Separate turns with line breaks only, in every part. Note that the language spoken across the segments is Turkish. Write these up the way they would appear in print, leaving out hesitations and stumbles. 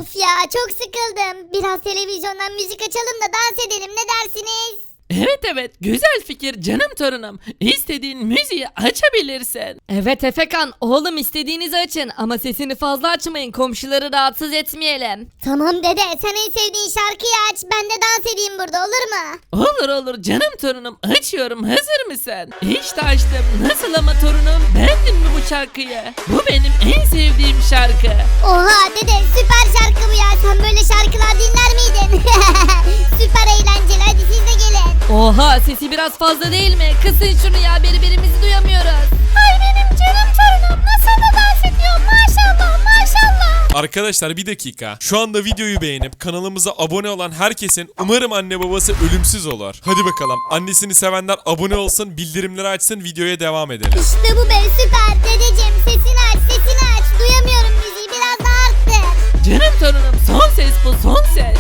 Of ya çok sıkıldım. Biraz televizyondan müzik açalım da dans edelim, ne dersiniz?
Evet güzel fikir canım torunum. İstediğin müziği açabilirsin.
Evet Efekan, oğlum istediğinizi açın ama sesini fazla açmayın, komşuları rahatsız etmeyelim.
Tamam dede, sen en sevdiğin şarkıyı aç, ben de dans edeyim burada, olur mu?
Olur canım torunum, açıyorum, hazır mısın? İşte açtım. Nasıl ama torunum, beğendin mi bu şarkıyı? Bu benim en sevdiğim şarkı.
Oha dede, süper şarkı bu ya, sen böyle şarkılar dinler miydin? Süper eğlenceli, hadi siz de gelin.
Oha, sesi biraz fazla değil mi? Kısın şunu ya, birbirimizi duyamıyoruz.
Ay benim canım torunum nasıl da dans ediyor, maşallah maşallah.
Arkadaşlar bir dakika. Şu anda videoyu beğenip kanalımıza abone olan herkesin umarım anne babası ölümsüz olur. Hadi bakalım. Annesini sevenler abone olsun, bildirimleri açsın, videoya devam edelim.
İşte bu be, süper dedeciğim, sesini aç, duyamıyorum müziği, biraz daha arttır.
Canım torunum, son ses bu, son ses.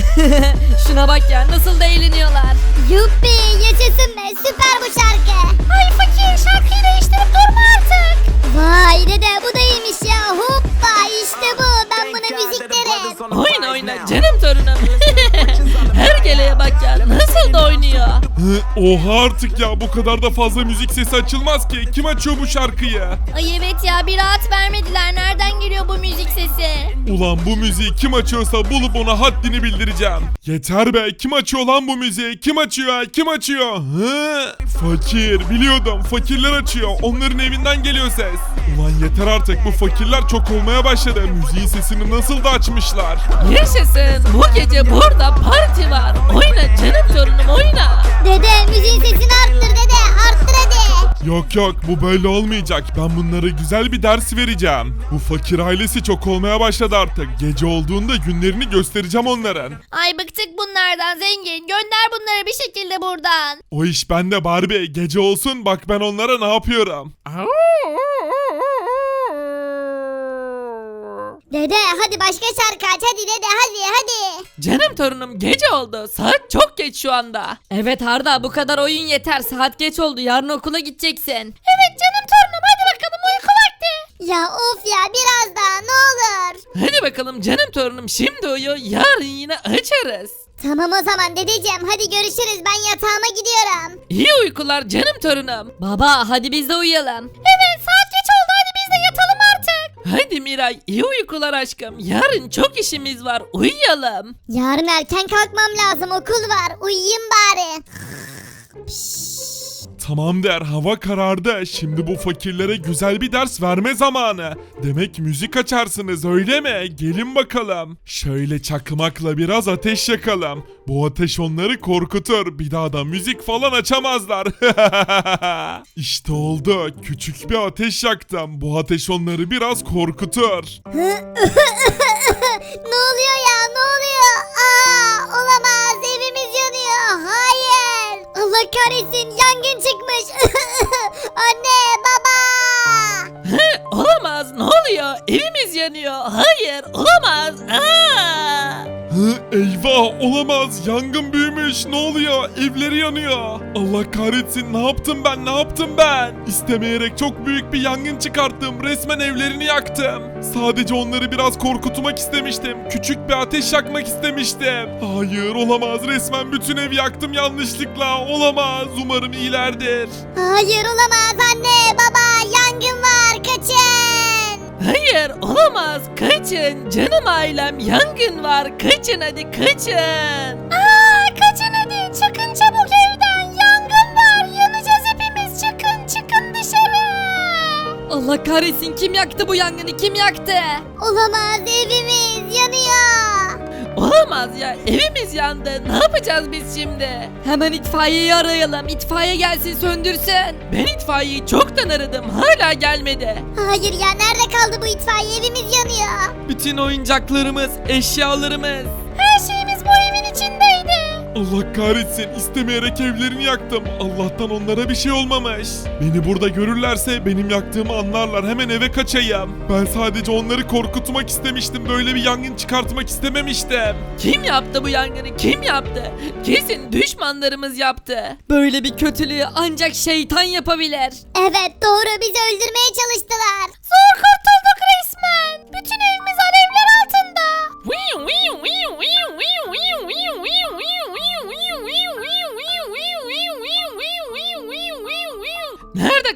Şuna bak ya, nasıl da eğleniyorlar.
Yuppi, yaşasın be, süper bu şarkı. Ay fakir, şarkıyı değiştirip durma artık. Vay dede, bu da iyiymiş ya, hoppa işte bu, ben buna müzik derim.
Oyna canım torunum. Hergeleye bak ya, nasıl da oynuyor.
Oha artık ya, bu kadar da fazla müzik sesi açılmaz ki. Kim açıyor bu şarkıyı?
Ay evet ya, bir rahat vermediler. Nereden geliyor bu müzik sesi?
Ulan bu müziği kim açıyorsa bulup ona haddini bildireceğim. Yeter be, kim açıyor lan bu müziği? Kim açıyor? Kim açıyor? Hı? Fakir, biliyordum, fakirler açıyor. Onların evinden geliyor ses. Ulan yeter artık, bu fakirler çok olmaya başladı. Müziğin sesini nasıl da açmışlar.
Yaşasın, bu gece burada parti var. Oyna canım torunum, oyna.
Dede, müziğin sesini arttır dede, arttır hadi.
Yok bu böyle olmayacak. Ben bunlara güzel bir ders vereceğim. Bu fakir ailesi çok olmaya başladı artık. Gece olduğunda günlerini göstereceğim onların.
Ay bıktık bunlardan zengin. Gönder bunları bir şekilde buradan.
O iş bende Barbie. Gece olsun, bak ben onlara ne yapıyorum.
Dede hadi başka şarkı aç, hadi dede, hadi.
Canım torunum, gece oldu. Saat çok geç şu anda.
Evet Arda, bu kadar oyun yeter. Saat geç oldu. Yarın okula gideceksin.
Evet canım torunum, hadi bakalım uyku vakti. Ya of ya, biraz daha ne olur.
Hadi bakalım canım torunum, şimdi uyu, yarın yine açarız.
Tamam o zaman dedeciğim, hadi görüşürüz, ben yatağıma gidiyorum.
İyi uykular canım torunum.
Baba hadi biz de uyuyalım.
Evet saat geç oldu, hadi biz de yatalım artık.
Hadi Miray, iyi uykular aşkım. Yarın çok işimiz var, uyuyalım.
Yarın erken kalkmam lazım, okul var, uyuyayım bari.
Tamam der, hava karardı. Şimdi bu fakirlere güzel bir ders verme zamanı. Demek müzik açarsınız öyle mi? Gelin bakalım. Şöyle çakmakla biraz ateş yakalım. Bu ateş onları korkutur. Bir daha da müzik falan açamazlar. İşte oldu. Küçük bir ateş yaktım. Bu ateş onları biraz korkutur.
Ne oluyor ya, ne oluyor? Olamaz, evimiz yanıyor, hayır. Allah kahretsin, yangın çıkmış. Anne, baba.
Olamaz, ne oluyor? Evimiz yanıyor. Hayır, olamaz.
Eyvah, olamaz, yangın büyümüş, ne oluyor, evleri yanıyor. Allah kahretsin, ne yaptım ben? İstemeyerek çok büyük bir yangın çıkarttım, resmen evlerini yaktım. Sadece onları biraz korkutmak istemiştim, küçük bir ateş yakmak istemiştim. Hayır, olamaz, resmen bütün evi yaktım yanlışlıkla, olamaz, umarım iyilerdir.
Hayır olamaz, anne, baba, yangın var, kaçın.
Hayır, olamaz. Kaçın. Canım ailem, yangın var. Kaçın hadi, kaçın.
Kaçın hadi, çıkın çabuk evden, yangın var, yanacağız hepimiz, çıkın dışarı.
Allah kahretsin, kim yaktı bu yangını, kim yaktı?
Olamaz, evimiz yanıyor.
Olamaz ya, evimiz yandı. Ne yapacağız biz şimdi?
Hemen itfaiyeyi arayalım, itfaiye gelsin söndürsün.
Ben itfaiyeyi çoktan aradım. Hala gelmedi.
Hayır ya, nerede kaldı bu itfaiye, evimiz yanıyor.
Bütün oyuncaklarımız, eşyalarımız.
Her şeyimiz bu evin içindeydi.
Allah kahretsin, istemeyerek evlerini yaktım. Allah'tan onlara bir şey olmamış. Beni burada görürlerse benim yaktığımı anlarlar, hemen eve kaçayım. Ben sadece onları korkutmak istemiştim, böyle bir yangın çıkartmak istememiştim.
Kim yaptı bu yangını? Kim yaptı? Kesin düşmanlarımız yaptı.
Böyle bir kötülüğü ancak şeytan yapabilir.
Evet doğru, bizi öldürmeye çalıştılar. Zor kurtulduk resmen. Bütün evimiz alevler altında.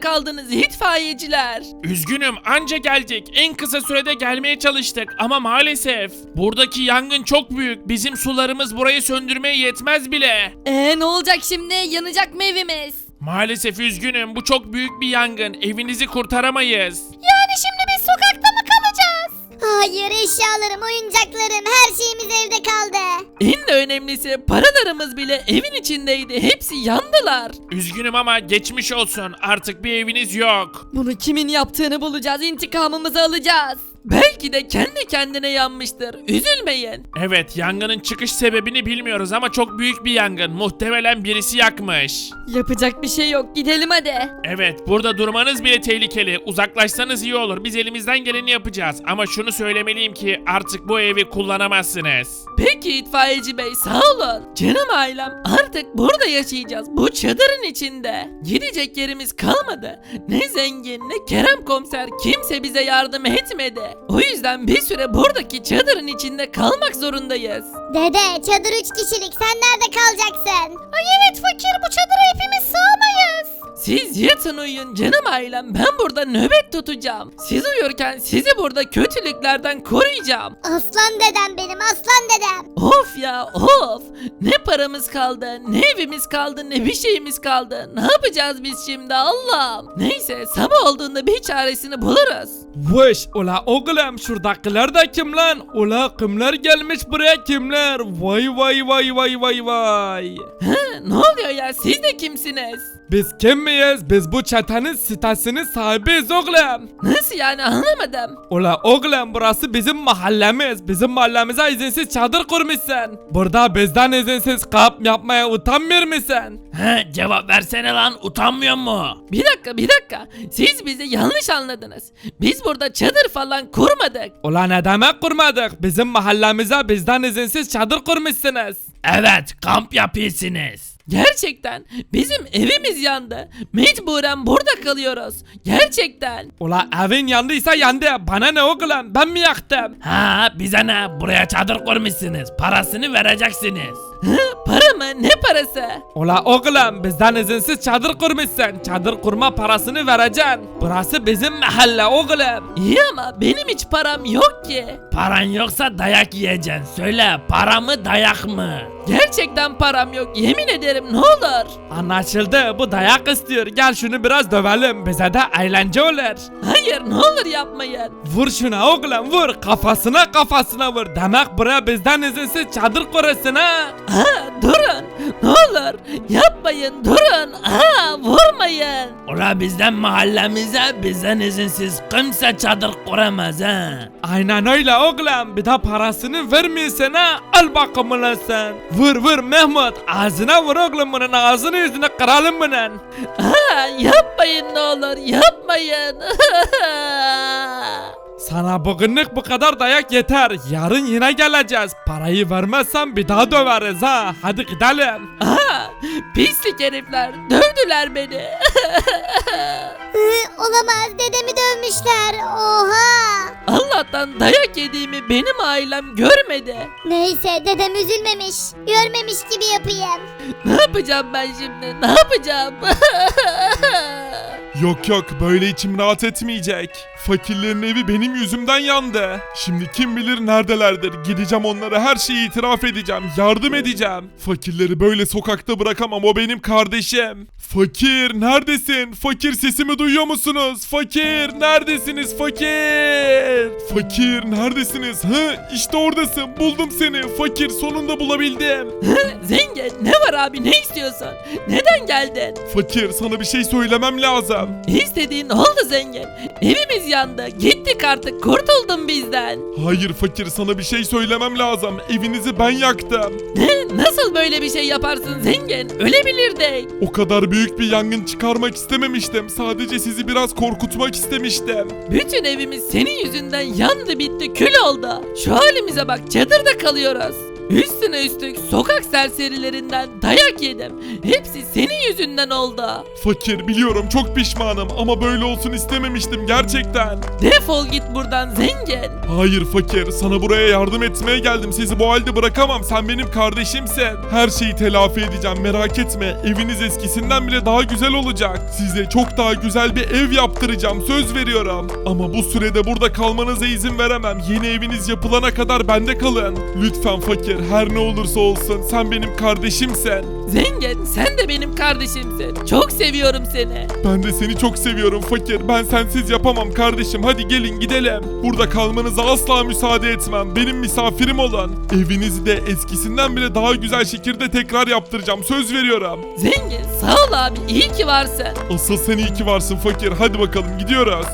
kaldınız itfaiyeciler?
Üzgünüm anca geldik. En kısa sürede gelmeye çalıştık ama maalesef. Buradaki yangın çok büyük. Bizim sularımız burayı söndürmeye yetmez bile.
Ne olacak şimdi? Yanacak mı evimiz?
Maalesef üzgünüm. Bu çok büyük bir yangın. Evinizi kurtaramayız.
Yani şimdi biz sokakta mı kalacağız? Hayır, eşyalarım, oyuncaklarım, her şeyimiz evde kaldı.
En de önemlisi paralarımız bile evin içindeydi. Hepsi yandılar.
Üzgünüm ama geçmiş olsun. Artık bir eviniz yok.
Bunu kimin yaptığını bulacağız. İntikamımızı alacağız.
Belki de kendi kendine yanmıştır. Üzülmeyin.
Evet, yangının çıkış sebebini bilmiyoruz ama çok büyük bir yangın. Muhtemelen birisi yakmış.
Yapacak bir şey yok. Gidelim hadi.
Evet, burada durmanız bile tehlikeli. Uzaklaşsanız iyi olur. Biz elimizden geleni yapacağız. Ama şunu söylemeliyim ki artık bu evi kullanamazsınız.
Peki itfaiyeci bey sağ olun. Canım ailem artık burada yaşayacağız. Bu çadırın içinde. Gidecek yerimiz kalmadı. Ne zengin ne Kerem komiser kimse bize yardım etmedi. O yüzden bir süre buradaki çadırın içinde kalmak zorundayız.
Dede, çadır 3 kişilik, sen nerede kalacaksın? Ay evet fakir, bu çadıra hepimiz sığamayız.
Siz yatın uyuyun canım ailem. Ben burada nöbet tutacağım. Siz uyurken sizi burada kötülüklerden koruyacağım.
Aslan dedem benim, aslan dedem.
Of ya of. Ne paramız kaldı, ne evimiz kaldı, ne bir şeyimiz kaldı. Ne yapacağız biz şimdi Allah'ım? Neyse sabah olduğunda bir çaresini buluruz.
Vış ula oğlum şuradakiler de kim lan? Ula kimler gelmiş buraya kimler? Vay vay vay vay vay vay.
Ne oluyor ya siz de kimsiniz?
Biz kim miyiz? Biz bu çetenin sitesinin sahibiyiz oğlum.
Nasıl yani anlamadım.
Ula oğlum burası bizim mahallemiz. Bizim mahallemize izinsiz çadır kurmuşsun. Burada bizden izinsiz kamp yapmaya utanmıyor musun?
He, cevap versene lan, utanmıyor mu?
Bir dakika. Siz bizi yanlış anladınız. Biz burada çadır falan kurmadık.
Ula ne demek kurmadık? Bizim mahallemize bizden izinsiz çadır kurmuşsunuz.
Evet, kamp yapıyorsunuz.
Gerçekten bizim evimiz yandı. Mecburen burada kalıyoruz. Gerçekten.
Ula evin yandıysa yandı. Bana ne oğlum? Ben mi yaktım?
Ha, bize ne? Buraya çadır kurmuşsunuz. Parasını vereceksiniz.
Para mı? Ne parası?
Ula oğlum bizden izinsiz çadır kurmuşsun. Çadır kurma parasını vereceksin. Burası bizim mahalle oğlum.
İyi ama benim hiç param yok ki.
Paran yoksa dayak yiyeceksin. Söyle, para mı dayak mı?
Gerçekten param yok. Yemin ederim ne olur.
Anlaşıldı, bu dayak istiyor. Gel şunu biraz dövelim. Bize de eğlence olur.
Hayır ne olur yapmayın.
Vur şuna oğlum vur. Kafasına vur. Demek buraya bizden izinsiz çadır kurursun ha.
Durun. Ne olur. Yapmayın durun. Vurmayın.
Ula bizden mahallemize bizden izinsiz kimse çadır kuramaz ha.
Aynen öyle oğlum. Bir de parasını vermiyorsun ha. Al bakalım ulan sen. Vur Mehmet. Ağzına vur oğlum bunun. Ağzını yüzünü kıralım bunun.
Yapmayın ne olur. Yapmayın.
Sana bugünlük bu kadar dayak yeter. Yarın yine geleceğiz. Parayı vermezsen bir daha döveriz ha. Hadi gidelim.
Pislik herifler. Dövdüler beni.
Olamaz, dedemi dövmüşler. Oha.
Allah'tan dayak yediğimi benim ailem görmedi.
Neyse, dedem üzülmemiş, görmemiş gibi yapayım.
Ne yapacağım ben şimdi? Ne yapacağım?
Yok böyle içim rahat etmeyecek. Fakirlerin evi benim yüzümden yandı. Şimdi kim bilir neredelerdir. Gideceğim onlara her şeyi itiraf edeceğim. Yardım edeceğim. Fakirleri böyle sokakta bırakamam, o benim kardeşim. Fakir neredesin? Fakir sesimi duyuyor musunuz? Fakir neredesiniz fakir? Fakir neredesiniz? İşte oradasın, buldum seni. Fakir sonunda bulabildim.
Zengin ne var abi ne istiyorsun? Neden geldin?
Fakir sana bir şey söylemem lazım.
İstediğin oldu zengin. Evimiz yandı. Gittik artık. Kurtuldun bizden.
Hayır fakir, sana bir şey söylemem lazım. Evinizi ben yaktım.
Ne? Nasıl böyle bir şey yaparsın zengin? Ölebilirdik.
O kadar büyük bir yangın çıkarmak istememiştim. Sadece sizi biraz korkutmak istemiştim.
Bütün evimiz senin yüzünden yandı bitti kül oldu. Şu halimize bak çadırda kalıyoruz. Üstüne üstlük sokak serserilerinden dayak yedim. Hepsi senin yüzünden oldu.
Fakir biliyorum çok pişmanım ama böyle olsun istememiştim gerçekten.
Defol git buradan zengin.
Hayır fakir, sana buraya yardım etmeye geldim. Sizi bu halde bırakamam. Sen benim kardeşimsin. Her şeyi telafi edeceğim, merak etme. Eviniz eskisinden bile daha güzel olacak. Size çok daha güzel bir ev yaptıracağım, söz veriyorum. Ama bu sürede burada kalmanıza izin veremem. Yeni eviniz yapılana kadar bende kalın. Lütfen fakir, her ne olursa olsun sen benim kardeşimsin.
Zengin, sen de benim kardeşimsin. Çok seviyorum seni.
Ben de seni çok seviyorum fakir. Ben sensiz yapamam kardeşim. Hadi gelin gidelim. Burada kalmanıza asla müsaade etmem. Benim misafirim olun. Evinizi de eskisinden bile daha güzel şekilde tekrar yaptıracağım. Söz veriyorum.
Zengin, sağ ol abi. İyi ki varsın.
Asıl sen iyi ki varsın fakir. Hadi bakalım gidiyoruz.